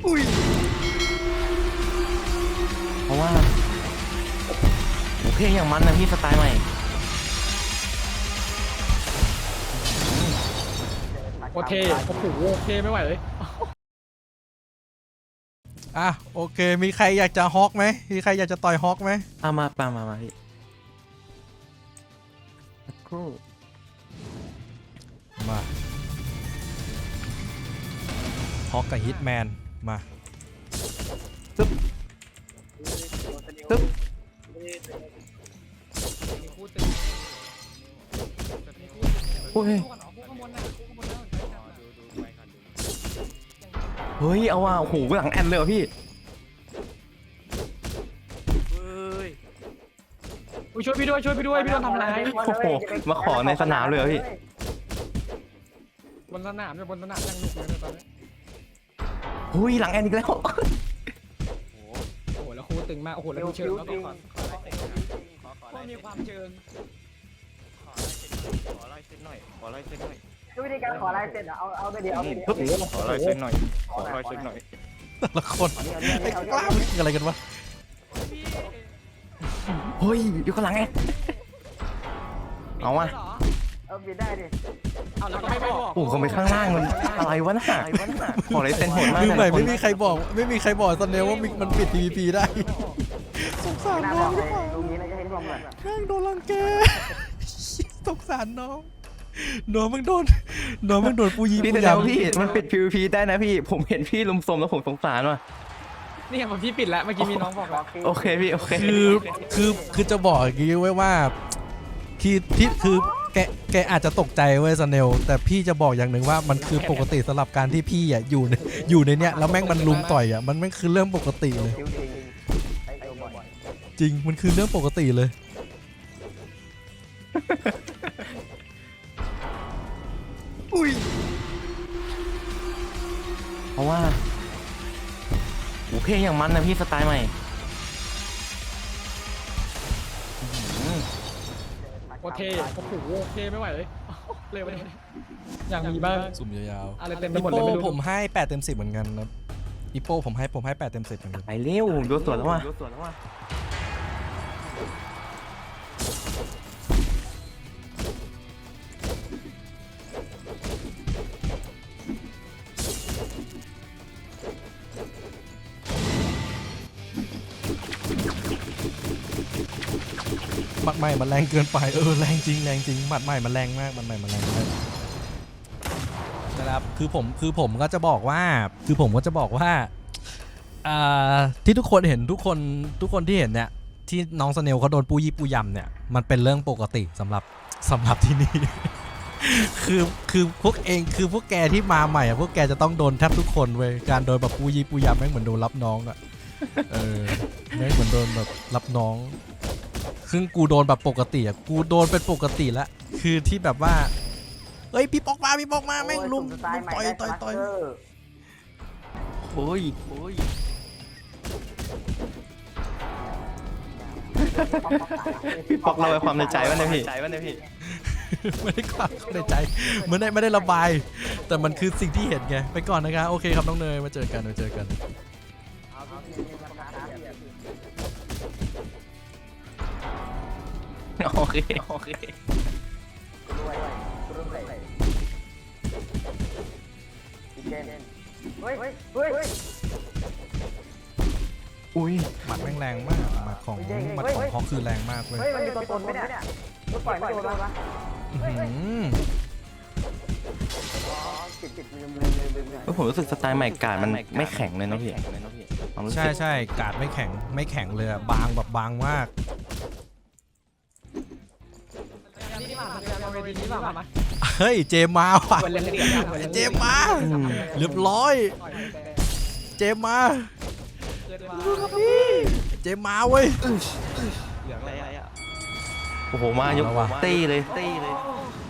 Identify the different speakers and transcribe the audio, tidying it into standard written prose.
Speaker 1: เพราะว่าเพลงอย่างมันนะพี่สไตล์ใหม่
Speaker 2: โอเคโอ้โหโอเคไม่ไหวเลย
Speaker 3: โอเคมีใครอยากจะฮอกไหมมีใครอยากจะต่อยฮอกไหม
Speaker 1: มาพี่ครู
Speaker 3: มาฮอกกับฮิตแมนมาตึ๊บ
Speaker 1: โอ้ยเฮ้ยเอาว่ะโอ้โหหลังแอนเลยพี่
Speaker 2: ช่วยพี่ด้วยพี่โดนทำร้าย
Speaker 1: โอ้โหมาขอในสนามเลยพี่
Speaker 2: บนสนามยังหนุกเลยตอนนี้
Speaker 1: เฮ้ยหลังแอนอีกแล้ว
Speaker 2: โอ้โหแล้วครูตึงมากโอ้โหแล้วดูเชิงแล้วก็มีความเชิง
Speaker 1: ขอไล่เส้นหน่อย
Speaker 4: วิธีการขอลายเซ็นเอาไปดี
Speaker 1: ขอไล่เส้นหน่อย
Speaker 3: แต่ละคนไอ้กล้ามคืออะไรกันวะ
Speaker 1: เฮ้ยอยู่ข้างหลังไงเอาวะ
Speaker 4: บินได้ดิ
Speaker 2: เอาแล้วก็ไม่บอก
Speaker 1: โอ้เขาไปข้างล่างมันอะไรวะน่ะขอไล่เส้นโหดมาก
Speaker 3: ดูใหม่ไม่มีใครบอกสเนลว่ามันปิด PVP ได้สงสารน้อง
Speaker 4: ตรงนี้เราจะเห็นความเหมือน
Speaker 3: แม่งโดนรังแกสงสารน้องมึงโดนปูยี
Speaker 1: พี่แต่พี่มันปิด PVP ได้นะพี่ผมเห็นพี่ลุมโทรมแล้วผมสงสารว่ะ
Speaker 2: นี่ผมพี่ปิดแล้วเมื่อกี้มีน้องบอกแล้ว
Speaker 1: โอเคพี่โอเค
Speaker 3: คือจะบอกอย่างนี้ไว้ว่าคือแกอาจจะตกใจเว้ยสเนลแต่พี่จะบอกอย่างหนึ่งว่ามันคือปกติสำหรับการที่พี่อยู่ในเนี้ยแล้วแม่งมันลุมต่อยมันไม่คือเรื่องปกติเลยจริงมันคือเรื่องปกติเลย
Speaker 1: เพราะว่าเพลงอย่างมันนะพี่สไตล์ใหม่
Speaker 2: โอเคโอ้โหโอเคไม่ไหวเลยเร็วไปเลยอย่างมีบ้าง
Speaker 3: สุ่มยาว
Speaker 2: อะไรเต็มไปหมดเลยไม่รู้
Speaker 3: ผมให้8 เต็ม 10เหมือนกันนะอีโป้ผมให้8 เต็ม 10เหมือนกัน
Speaker 1: ไปเร็วดูสวนแล้วว่ะ
Speaker 3: หมัดใหม่มันแรงเกินไปแรงจริงหมัดใหม่มันแรงมากนะครับคือผมก็จะบอกว่าที่ทุกคนเห็นทุกคนที่เห็นเนี่ยที่น้องสเนลเขาโดนปูยี่ปูยำเนี่ยมันเป็นเรื่องปกติสำหรับที่นี่ คือพวกแกที่มาใหม่พวกแกจะต้องโดนแทบทุกคนเว้ยการโดนแบบปูยี่ปูยำแม่งเหมือนโดนรับน้องแม่งเหมือนโดนแบบรับน้องซึ่งกูโดนแบบปกติกูโดนเป็นปกติแล้วคือที่แบบว่าเฮ้ยพี่ปอกมาแม่งลุมต่อย
Speaker 1: โอ้ยพี่ปอกเราไปความในใจวะเนี่ยพี่
Speaker 3: ไม่ได้ความในใจไม่ได้ระบายแต่มันคือสิ่งที่เห็นไงไปก่อนนะครับโอเคครับน้องเนยมาเจอกัน
Speaker 1: โอเค
Speaker 3: อุ้ยหมัดแม่งแรงมากหมัดของฮอกคือแรงมากเว้ย
Speaker 4: มันมีตัวตนไหมเนี่ยตัวปล่อยไม่โดนวะ
Speaker 1: ผมรู้สึกสไตล์ใหม่การมันไม่แข็งเลยนะพี่
Speaker 3: ใช่การไม่แข็งเลยบางแบบบางมากเฮ้ยเจมมาว่ะเจมมาเรียบร้อยเจมมาเว้ย
Speaker 1: โอ้โหมายกตีเลย